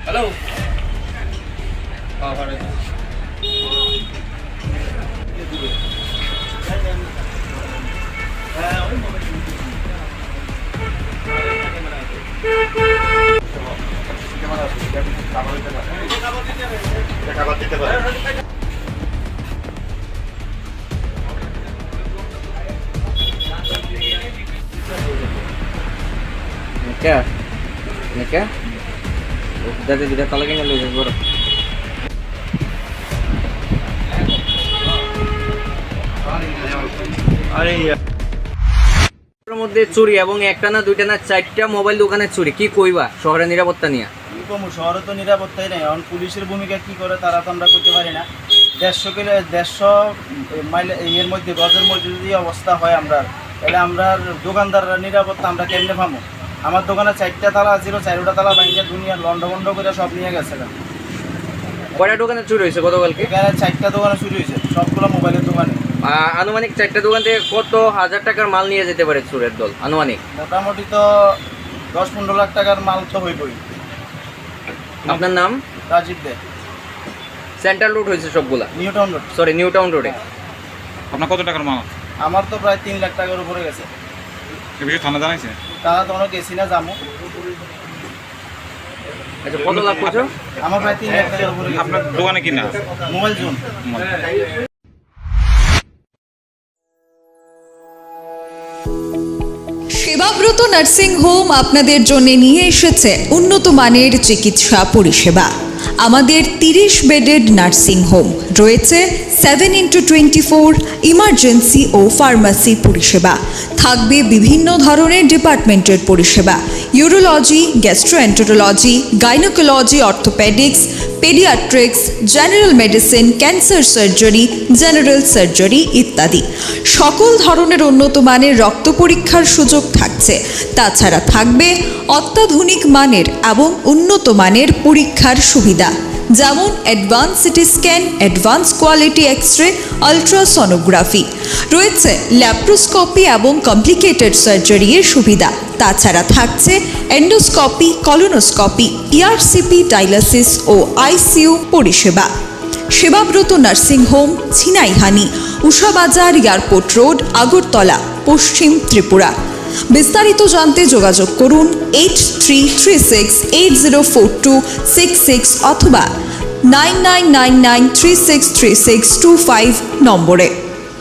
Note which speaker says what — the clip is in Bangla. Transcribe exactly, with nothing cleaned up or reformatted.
Speaker 1: হ্যালো
Speaker 2: क्या ये क्या दादा दिदा तला के ले बड़
Speaker 1: আরে
Speaker 2: এর মধ্যে চুরি এবং একটা না দুইটা না চারটা মোবাইল দোকানে চুরি কি কইবা শহরের নিরাপত্তা নিয়ে
Speaker 3: কি কমু শহরে তো নিরাপত্তাই নেই। এখন পুলিশের ভূমিকা কি করে তারা তো আমরা করতে পারি না। দেড়শো কিলো দেড়শো মাইল এর মধ্যে গজের মধ্যে যদি অবস্থা হয় আমরা, তাহলে আমরা দোকানদাররা নিরাপত্তা আমরা কেমনে পাবো? আমার দোকানে চারটা তালা ছিল, চারটা তালা ভাঙিয়ে দুনিয়া লন্ডভন্ড করে সব নিয়ে গেছে।
Speaker 2: কয়টা দোকানে চুরি হয়েছে গতকালকে?
Speaker 3: এখানে চারটা দোকানে চুরি হয়েছে, সবগুলো মোবাইলের দোকানে।
Speaker 2: আহ, আনুমানিক চারটা দোকান থেকে কত হাজার টাকার মাল নিয়ে যেতে পারে চোরের দল আনুমানিক?
Speaker 3: মোটামুটি তো দশ পনেরো লাখ টাকার মাল তো হয়ে পড়ি।
Speaker 2: আপনার নাম?
Speaker 3: রাজীব দে।
Speaker 2: সেন্ট্রাল রোড হয়েছে সবগুলা?
Speaker 3: New town road.
Speaker 2: Sorry new town রোডে।
Speaker 4: আপনার কত টাকার মাল?
Speaker 3: আমার তো প্রায় তিন লাখ টাকার উপরে গেছে।
Speaker 4: এ বিষয়ে থানা জানাইছে?
Speaker 3: তারা তো অনেক গেছি না যাবো।
Speaker 2: আচ্ছা কত লাভ করছো?
Speaker 3: আমার প্রায় তিন লাখ টাকার উপরে গেছে।
Speaker 4: আপনার দোকানে কিনা
Speaker 3: mobile zone.
Speaker 5: Sebabrata nursing home আপনাদের জন্য নিয়ে এসেছে উন্নত মানের চিকিৎসা পরিষেবা। আমাদের তিরিশ বেডেড নার্সিং হোম রয়েছে seven into twenty four emergency ও ফার্মাসি পরিষেবা। থাকবে বিভিন্ন ধরনের ডিপার্টমেন্টের পরিষেবা, urology, gastroenterology, gynaecology, orthopaedics, paediatrics, general medicine, cancer surgery, general surgery ইত্যাদি। সকল ধরনের উন্নত মানের রক্ত পরীক্ষার সুযোগ থাকছে। তাছাড়া থাকবে অত্যাধুনিক মানের এবং উন্নত মানের পরীক্ষার সুবিধা, যেমন advance CT scan, advance quality X ray, ultrasonography. রয়েছে ল্যাপ্রোস্কোপি এবং কমপ্লিকেটেড সার্জারি এর সুবিধা। তাছাড়া থাকছে এন্ডোস্কোপি, কলোনোস্কোপি, ইআরসিপি, ডায়ালিসিস ও আইসিইউ পরিষেবা। Sebabrata nursing home, Chinaihani, Ushabazar, airport road, Agartala, পশ্চিম ত্রিপুরা। বিস্তারিত জানতে যোগাযোগ করুন eight three three six eight zero four two six six অথবা nine nine nine nine three six three six two five নম্বরে।